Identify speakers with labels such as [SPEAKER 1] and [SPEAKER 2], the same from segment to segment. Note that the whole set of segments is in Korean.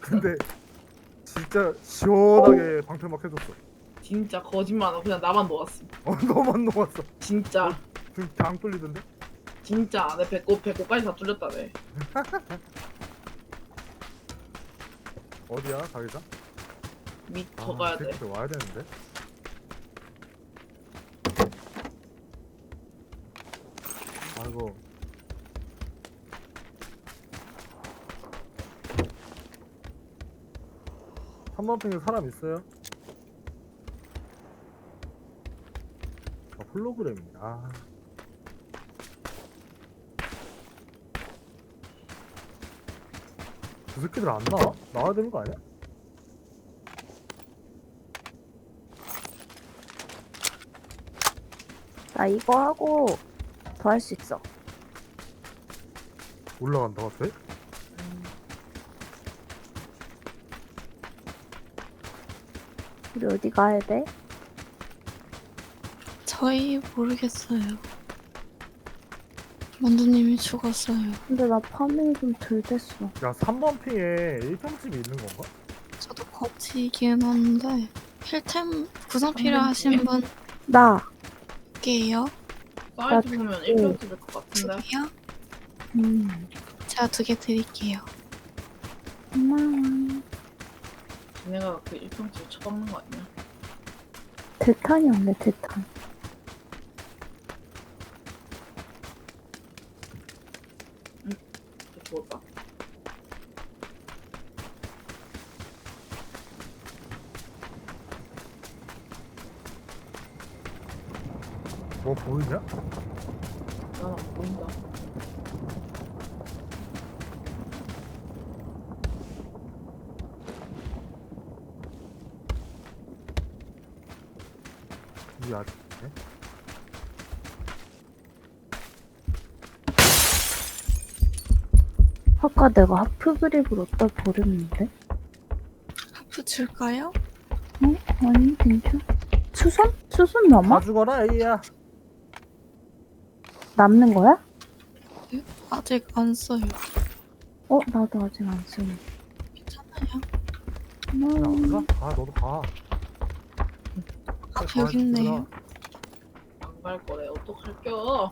[SPEAKER 1] 근데 진짜 시원하게 방패막 해줬어.
[SPEAKER 2] 진짜 거짓말 안 하고 그냥 나만 놓았어.
[SPEAKER 1] 너만 녹았어.
[SPEAKER 2] 진짜
[SPEAKER 1] 지금 당 뚫리던데?
[SPEAKER 2] 진짜 내 배꼽까지 다 뚫렸다네.
[SPEAKER 1] 어디야 자기장?
[SPEAKER 2] 밑 더 가야 돼.
[SPEAKER 1] 새끼들 와야 되는데. 아이고. 한번평에 사람 있어요? 홀로그램이야. 그 새끼들 안 나와? 나와야 되는 거 아니야?
[SPEAKER 3] 나 이거 하고 더 할 수 있어.
[SPEAKER 1] 올라간다가 돼?
[SPEAKER 3] 우리 어디 가야 돼?
[SPEAKER 4] 저희 모르겠어요. 만두님이 죽었어요.
[SPEAKER 3] 근데 나 파밍이 좀 덜 됐어.
[SPEAKER 1] 야 3번 핑에 1평집이 있는 건가?
[SPEAKER 4] 저도 거치긴 한데 필템 구성 필요하신
[SPEAKER 3] 나.
[SPEAKER 4] 분께요?
[SPEAKER 2] 사이즈 보면 1평집일 것
[SPEAKER 4] 두
[SPEAKER 2] 같은데.
[SPEAKER 4] 개요?
[SPEAKER 3] 음.
[SPEAKER 4] 제가 2개 드릴게요.
[SPEAKER 3] 고마워.
[SPEAKER 2] 걔네가 그 1평집 쳐박는 거 아니야?
[SPEAKER 3] 대탄이 없네, 대탄.
[SPEAKER 2] 죽었다.
[SPEAKER 1] 뭐 보이냐?
[SPEAKER 2] 난 안 보인다.
[SPEAKER 1] 이 아직 있네?
[SPEAKER 3] 아까 내가 하프 그립을 어디다 버렸는데?
[SPEAKER 4] 하프 줄까요?
[SPEAKER 3] 어? 아니, 괜찮아. 수선? 수선 남아?
[SPEAKER 1] 다 죽어라 A야.
[SPEAKER 3] 남는 거야?
[SPEAKER 4] 아직 안 써요.
[SPEAKER 3] 어, 나도 아직 안 쓰네.
[SPEAKER 4] 괜찮아요.
[SPEAKER 3] 고마워.
[SPEAKER 1] 가? 가 너도 가.
[SPEAKER 4] 아, 여기 있네요.
[SPEAKER 2] 안 갈 거래. 어떡할겨?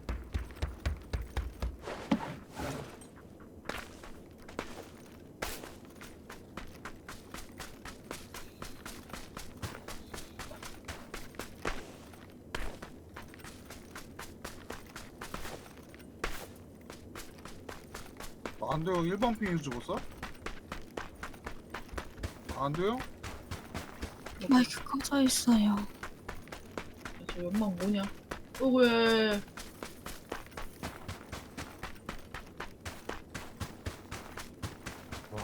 [SPEAKER 5] 안돼요. 1번 핑에서 죽었어? 안돼요?
[SPEAKER 4] 마이크 꺼져 있어요.
[SPEAKER 2] 저 연막 뭐냐? 왜?
[SPEAKER 1] 와.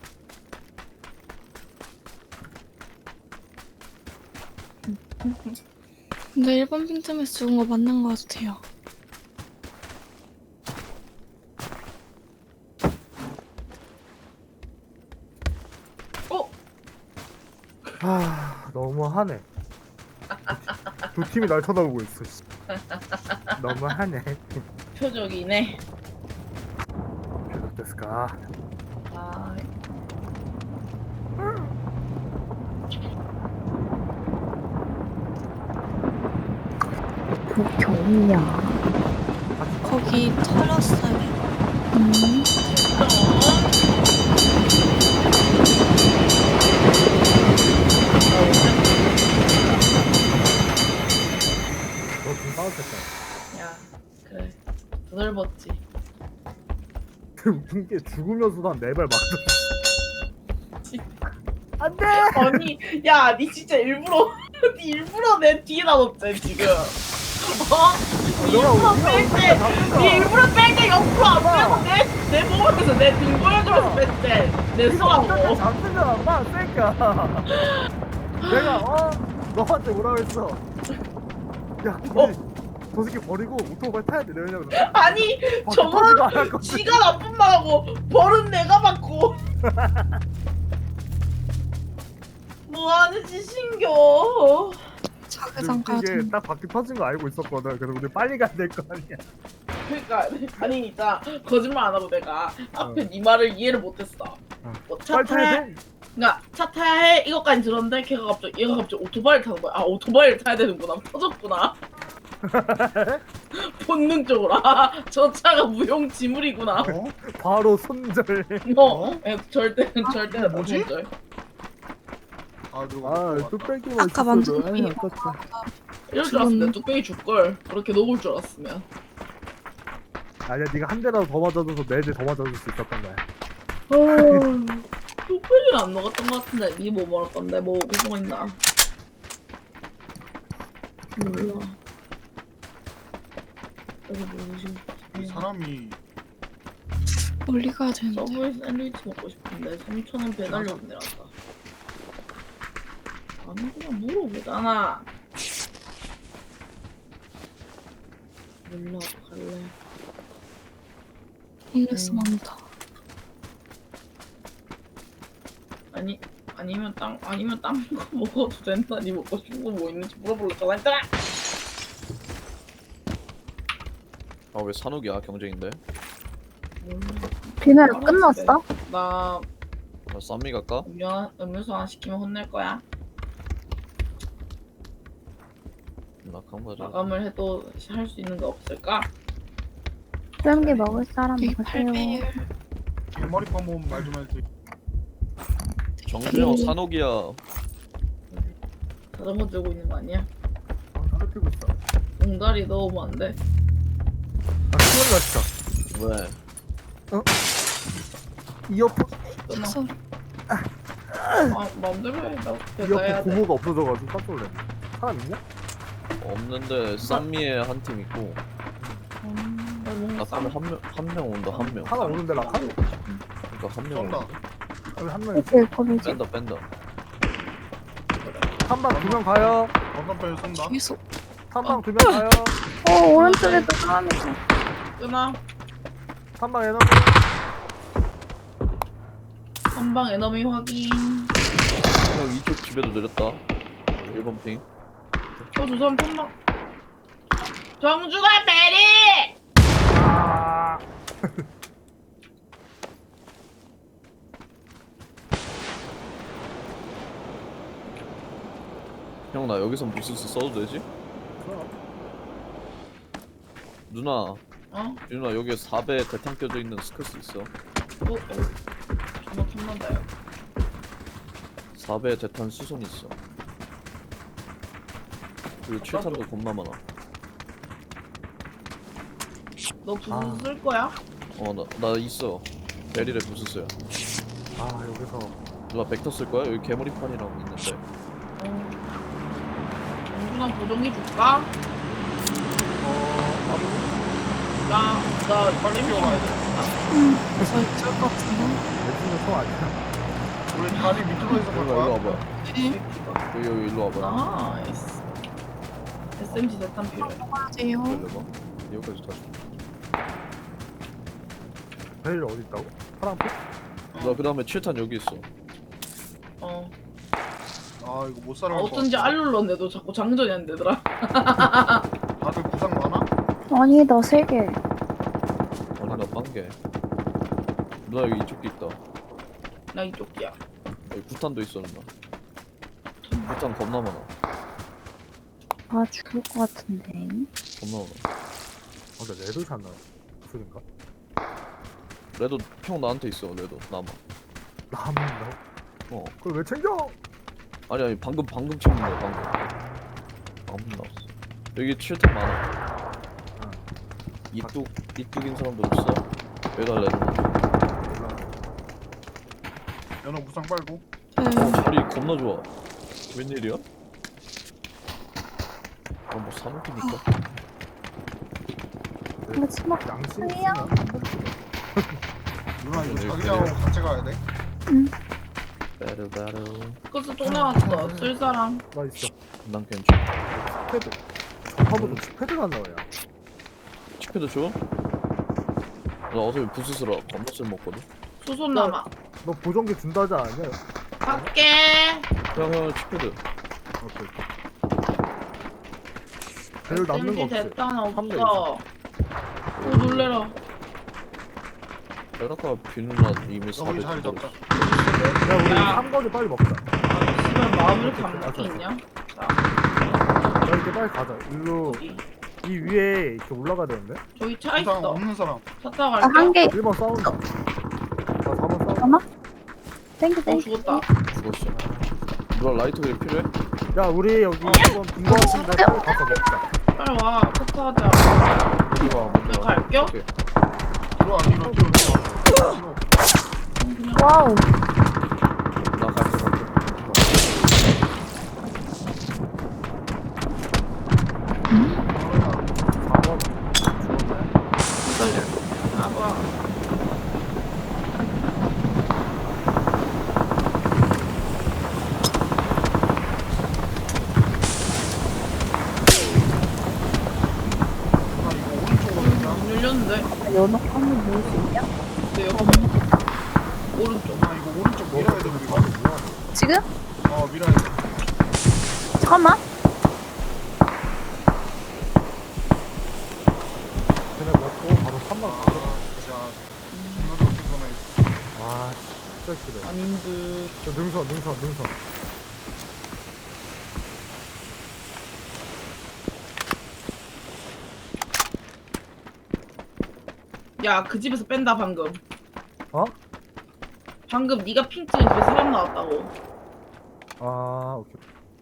[SPEAKER 4] 근데 1번 빈틈에서 죽은 거 맞는 거 같아요.
[SPEAKER 2] 어?
[SPEAKER 1] 너무하네. 두 팀이 날 쳐다보고 있어. 씨. 너무하네.
[SPEAKER 2] 표적이네.
[SPEAKER 1] 됐을까?
[SPEAKER 2] 아,
[SPEAKER 3] 그 경이야.
[SPEAKER 4] 거기 털었어요.
[SPEAKER 1] 너좀 싸웠겠다.
[SPEAKER 2] 야, 그래. 더 넓었지.
[SPEAKER 1] 웃긴 게 죽으면서도 한 4발 맞았어.
[SPEAKER 2] 안돼. 아니, 야, 니 진짜 일부러, 니 일부러 내 뒤에다 놓지 지금. 니 일부러 뺄 때, 니 일부러 뺄 때 옆으로 안 빼고 내 몸에서 내 등 보여주면서 뺐대. 내 손하고.
[SPEAKER 1] 잡히잖아, 마, 새끼야. 내가 너한테 뭐라고 했어? 야, 저 새끼 버리고 오토바이 타야 돼. 내가 그냥
[SPEAKER 2] 아니, 저거는 지가 나쁜 말하고 벌은 내가 받고. 뭐하는 짓인겨.
[SPEAKER 4] 자기장 가야
[SPEAKER 1] 이게
[SPEAKER 4] 된다.
[SPEAKER 1] 딱 바퀴 터진 거 알고 있었거든. 그래서 우리 빨리 가야 될 거 아니야.
[SPEAKER 2] 그러니까 아니 진짜 거짓말 안 하고 내가 앞에 네 말을 이해를 못했어. 뭐 차
[SPEAKER 1] 빨리
[SPEAKER 2] 타야
[SPEAKER 1] 타야 돼.
[SPEAKER 2] 그러니까 차 타야 해 이것까지 들었는데 얘가 갑자기 오토바이를 타는 거야. 아 오토바이를 타야 되는구나. 터졌구나. 본능적으로 저 차가 무용지물이구나.
[SPEAKER 5] 어?
[SPEAKER 1] 바로 손절.
[SPEAKER 2] 절대
[SPEAKER 5] 뭐지?
[SPEAKER 2] 손절.
[SPEAKER 5] 아 누가
[SPEAKER 1] 아
[SPEAKER 5] 아,
[SPEAKER 1] 뚝배기만
[SPEAKER 4] 아까
[SPEAKER 1] 있었어도
[SPEAKER 4] 만든
[SPEAKER 1] 아이, 아깝다.
[SPEAKER 2] 이럴 줄 알았는데 뚝배기 줄걸. 그렇게 녹을 줄 알았으면.
[SPEAKER 1] 아니야 네가 한 대라도 더 맞아줘서 4대 더 맞아줄 수 있었던 거야.
[SPEAKER 2] 뚝배기는 안 녹았던 것 같은데 니 뭐 먹을 건데 뭐 무슨 있나? 몰라. 여기 뭐지?
[SPEAKER 5] 이 사람이
[SPEAKER 4] 멀리 가야 되는데.
[SPEAKER 2] 서브웨이 샌드위치 먹고 싶은데 3,000원 배달료 내놨다. 아니 그냥 물어보잖아. 몰라 갈래.
[SPEAKER 4] 홈레스 많다.
[SPEAKER 2] 아니면 딴 거 먹어도 된다. 니 먹고 싶은 거 뭐 있는지 물어볼래 전화했잖아.
[SPEAKER 6] 아 왜 산옥이야 경쟁인데?
[SPEAKER 3] 비늘 끝났어?
[SPEAKER 2] 나
[SPEAKER 6] 나 쌈미 갈까?
[SPEAKER 2] 음료수 하나 시키면 혼낼 거야.
[SPEAKER 6] 나 강바자.
[SPEAKER 2] 마감을 해도 할 수 있는 거 없을까?
[SPEAKER 3] 수염기 먹을 사람
[SPEAKER 4] 여기
[SPEAKER 3] 먹으세요.
[SPEAKER 4] 8배율.
[SPEAKER 5] 개머리 파면 말좀 해야지.
[SPEAKER 6] 정준영 산옥이야.
[SPEAKER 2] 자전거 들고 있는 거 아니야?
[SPEAKER 1] 아 담배 피고 있어.
[SPEAKER 2] 옹다리 넣으면 안 돼.
[SPEAKER 1] 아 큰일 났다.
[SPEAKER 6] 왜?
[SPEAKER 1] 이어폰
[SPEAKER 2] 끊어.
[SPEAKER 4] 소리.
[SPEAKER 2] 마음대로 해. 나
[SPEAKER 1] 이어폰
[SPEAKER 2] 배달해야 돼.
[SPEAKER 1] 고무가 없어져가지고 깜짝 놀랐네. 사람 있냐?
[SPEAKER 6] 없는데 쌈미에 한 팀 있고
[SPEAKER 2] 나 뭔가
[SPEAKER 6] 라카는 한명 온다 한 명.
[SPEAKER 1] 하나 오는데 라카?
[SPEAKER 6] 그러니까 한 명
[SPEAKER 5] 쏜다.
[SPEAKER 6] 온다.
[SPEAKER 1] 여기 한 명 있어.
[SPEAKER 3] 그치 고르지.
[SPEAKER 6] 뺀다.
[SPEAKER 1] 한방 2명 가요.
[SPEAKER 5] 건너편에 쏜다.
[SPEAKER 4] 여기서
[SPEAKER 1] 한방 2명 가요.
[SPEAKER 3] 오른쪽에도 사람 있어.
[SPEAKER 2] 끊어.
[SPEAKER 1] 한방 에너.
[SPEAKER 2] 한방 에너미 확인.
[SPEAKER 6] 형 이쪽 집에도 내렸다. 1번 핑.
[SPEAKER 2] 저 사람 한방. 정주가 베리!
[SPEAKER 1] 아.
[SPEAKER 6] 형 나 여기선 부스스 써도 되지? 누나
[SPEAKER 2] 어?
[SPEAKER 6] 누나 여기에 4배 대탄 껴져 있는 스커스 있어.
[SPEAKER 2] 전화 탐난다 요
[SPEAKER 6] 4배 대탄 수선 있어. 그리고 7탄도 겁나 많아.
[SPEAKER 2] 너 부스
[SPEAKER 1] 아.
[SPEAKER 2] 쓸 거야?
[SPEAKER 6] 나 있어. 베릴에 부스스야.
[SPEAKER 1] 아 여기서
[SPEAKER 6] 누나 벡터 쓸 거야? 여기 개머리판이라고 있는데.
[SPEAKER 2] 정준아 보정기 줄까? 나
[SPEAKER 5] 빨리 뛰어가야 돼.
[SPEAKER 4] 저 있을 것 같은데.
[SPEAKER 1] 내주는 총 아니야.
[SPEAKER 5] 우리 다리 밑으로 해서 갈
[SPEAKER 6] 일로
[SPEAKER 5] 거야.
[SPEAKER 6] 와봐.
[SPEAKER 4] 네.
[SPEAKER 6] 여기 일로 와봐.
[SPEAKER 2] 나이스. SMG 대탄 필요해.
[SPEAKER 4] 가야 돼요.
[SPEAKER 6] 열려봐. 여기까지 다 줘.
[SPEAKER 1] 베일 어디 있다고? 파랑빛?
[SPEAKER 6] 나 그다음에 7탄 여기 있어.
[SPEAKER 5] 아 이거 못 살아갈 것
[SPEAKER 2] 어쩐지
[SPEAKER 5] 같아.
[SPEAKER 2] 알 눌렀는데도 자꾸 장전이 안 되더라.
[SPEAKER 5] 다들 부상 많아?
[SPEAKER 3] 아니 나 3개.
[SPEAKER 6] 아니 나 빵개. 누나 여기 이쪽도 있다.
[SPEAKER 2] 나 이쪽이야.
[SPEAKER 6] 여기 구탄도 있어 누나. 구탄 겁나 많아.
[SPEAKER 3] 아 죽을 것 같은데.
[SPEAKER 6] 겁나 많아.
[SPEAKER 1] 아 근데 레드 샀나? 무슨인가?
[SPEAKER 6] 레도 형 나한테 있어. 레도 남아.
[SPEAKER 1] 남는다.
[SPEAKER 6] 어.
[SPEAKER 1] 그걸 왜 챙겨?
[SPEAKER 6] 아니 방금 챙긴 거야 방금 나왔어. 여기 7탄 많아. 이뚝인 사람도 없어. 여기다 레도.
[SPEAKER 5] 연어 부상 빨고.
[SPEAKER 6] 자리 겁나 좋아. 웬일이야? 뭐 사먹기니까.
[SPEAKER 3] 근데 치마
[SPEAKER 1] 양심
[SPEAKER 3] 아니야.
[SPEAKER 1] 있으면 한 번도
[SPEAKER 5] 누나 이거
[SPEAKER 6] 네,
[SPEAKER 5] 자기하고
[SPEAKER 6] 그래요.
[SPEAKER 5] 같이 가야 돼.
[SPEAKER 6] 베르.
[SPEAKER 2] 그래서 또 나왔어. 쓸 사람.
[SPEAKER 1] 나 있어.
[SPEAKER 6] 난 괜찮아.
[SPEAKER 1] 패드. 전파보다 패드가 나와요.
[SPEAKER 6] 치패드 줘? 나 어차피 부스스라 겁나 쓸 먹거든.
[SPEAKER 2] 수손 남아.
[SPEAKER 1] 너 보정기 준다 하지 않았냐?
[SPEAKER 2] 갈게.
[SPEAKER 6] 형 치패드.
[SPEAKER 1] 오케이. 배율 남는 거
[SPEAKER 2] SMG
[SPEAKER 1] 없지?
[SPEAKER 2] 대탄
[SPEAKER 1] 한 대
[SPEAKER 2] 없어. 오 놀래라.
[SPEAKER 6] 베라카 비누나 이미
[SPEAKER 5] 여기
[SPEAKER 6] 4배
[SPEAKER 5] 자리
[SPEAKER 6] 준다고
[SPEAKER 5] 잡자.
[SPEAKER 1] 야 우리
[SPEAKER 2] 야.
[SPEAKER 1] 3번을 빨리 먹자.
[SPEAKER 2] 씨발 마음 이렇게 안 바뀌냐? 자,
[SPEAKER 1] 야 이렇게 빨리 가자. 일로
[SPEAKER 2] 어디?
[SPEAKER 1] 이 위에 이렇게 올라가야 되는데?
[SPEAKER 2] 저기 차
[SPEAKER 5] 부상
[SPEAKER 2] 있어.
[SPEAKER 5] 없는 사람.
[SPEAKER 2] 차 타고
[SPEAKER 3] 아,
[SPEAKER 2] 갈게.
[SPEAKER 3] 한 개.
[SPEAKER 1] 1번 싸운다. 아 4번 싸운다.
[SPEAKER 3] 잠깐만. 땡큐, 땡큐.
[SPEAKER 2] 죽었다.
[SPEAKER 6] 죽었어. 누나 라이터 그립 필요해?
[SPEAKER 1] 야 우리 여기 2번 빈거 같은데 빨리 가서 먹자.
[SPEAKER 2] 빨리 와. 차 타자.
[SPEAKER 6] 먼저 와, 먼저 와.
[SPEAKER 2] 갈게요?
[SPEAKER 6] 오케이.
[SPEAKER 5] 뒤로.
[SPEAKER 3] 와우.
[SPEAKER 6] 나 갈게, 갈게.
[SPEAKER 2] 아봐. 안 열렸는데?
[SPEAKER 3] 연어 한번 먹을 수 있냐?
[SPEAKER 2] 내 옆에. 오른쪽.
[SPEAKER 5] 아 이거 오른쪽 밀어야 돼 우리가.
[SPEAKER 3] 지금?
[SPEAKER 5] 밀어야 돼.
[SPEAKER 3] 잠깐만.
[SPEAKER 1] 걔네 먹고 바로 3번 가자.
[SPEAKER 5] 자, 중간으로 끊어내.
[SPEAKER 1] 와 진짜 싫어.
[SPEAKER 2] 아닌 듯.
[SPEAKER 1] 저 능선.
[SPEAKER 2] 야, 그 집에서 뺀다 방금.
[SPEAKER 1] 어?
[SPEAKER 2] 방금 네가 핑 찍은 집에 사람 나왔다고.
[SPEAKER 1] 아 오케이.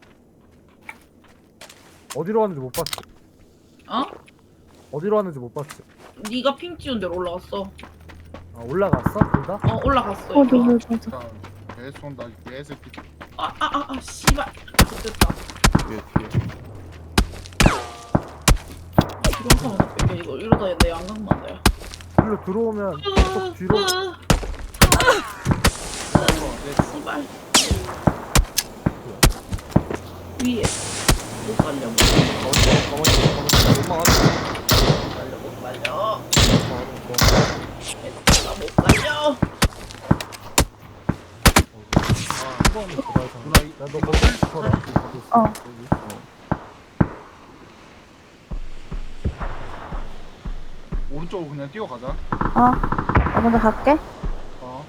[SPEAKER 1] 어디로 왔는지 못 봤지.
[SPEAKER 2] 어?
[SPEAKER 1] 어디로 왔는지 못 봤지.
[SPEAKER 2] 네가 핑 찍은 데로 올라갔어.
[SPEAKER 1] 아 올라갔어? 둘 다?
[SPEAKER 2] 올라갔어.
[SPEAKER 3] 맞아,
[SPEAKER 2] 이거.
[SPEAKER 3] 맞아.
[SPEAKER 5] 자, 개 쏜다. 개새끼.
[SPEAKER 2] 씨발. 됐다.
[SPEAKER 6] 뒤에, 뒤에.
[SPEAKER 2] 이거 한번 뺄게. 이러다 내 양각만 돼.
[SPEAKER 1] 일로 들어오면 계속 뒤로.
[SPEAKER 2] 씨발. 위에. 못 살려.
[SPEAKER 6] 가만히
[SPEAKER 2] 못 살려. 못 살려.
[SPEAKER 1] 한번에 들어가서. 야너 거기 붙어라. 거기 있어.
[SPEAKER 3] 어.
[SPEAKER 1] 여기.
[SPEAKER 5] 오른쪽으로 그냥 뛰어가자.
[SPEAKER 3] 나 먼저 갈게.
[SPEAKER 5] 어.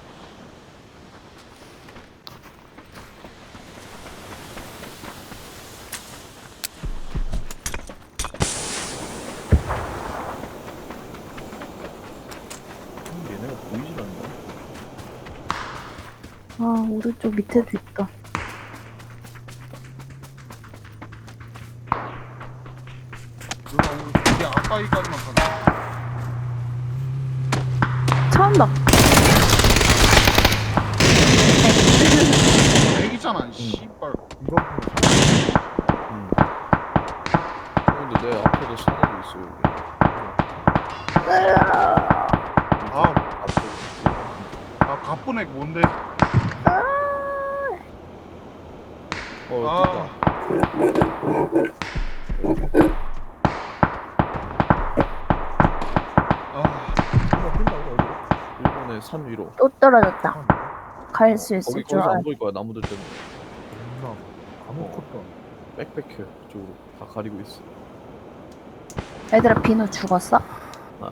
[SPEAKER 6] 얘네가 보이질 않네.
[SPEAKER 3] 오른쪽 밑에도 있다.
[SPEAKER 5] 누나 우리 아까이까지만 가자.
[SPEAKER 3] 차온다.
[SPEAKER 5] 애기잖아. 씨발.
[SPEAKER 1] 이거
[SPEAKER 6] 근데 내 앞에도 사람이 있어, 여기.
[SPEAKER 5] 아,
[SPEAKER 6] 앞에.
[SPEAKER 5] 가쁜 애 뭔데?
[SPEAKER 6] 어, 됐다.
[SPEAKER 1] 뛴다고 어디로?
[SPEAKER 6] 일본의 산 위로.
[SPEAKER 3] 또 떨어졌다. 갈 수 있을 줄
[SPEAKER 6] 거기서
[SPEAKER 3] 알아.
[SPEAKER 6] 안 보일 거야, 나무들 때문에.
[SPEAKER 1] 존나 아무것도 안
[SPEAKER 6] 빽빽해, 그쪽으로. 다 가리고 있어.
[SPEAKER 3] 얘들아, 비누 죽었어?
[SPEAKER 6] 아,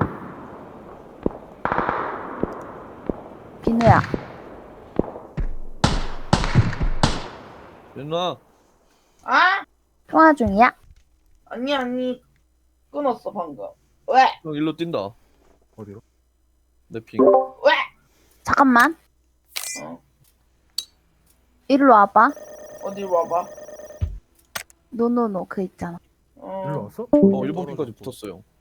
[SPEAKER 3] 비누야.
[SPEAKER 6] 누나!
[SPEAKER 2] 아?
[SPEAKER 3] 통화 중이야?
[SPEAKER 2] 아니. 끊었어 방금. 왜?
[SPEAKER 6] 형, 일로 뛴다.
[SPEAKER 1] 어디로?
[SPEAKER 6] 내 핑.
[SPEAKER 2] 왜?
[SPEAKER 3] 잠깐만.
[SPEAKER 2] 어.
[SPEAKER 3] 이리로 와봐.
[SPEAKER 2] 어디로 와봐.
[SPEAKER 3] 노노노 그 있잖아.
[SPEAKER 1] 일로 왔어?
[SPEAKER 6] 일본 핑까지 붙었어요.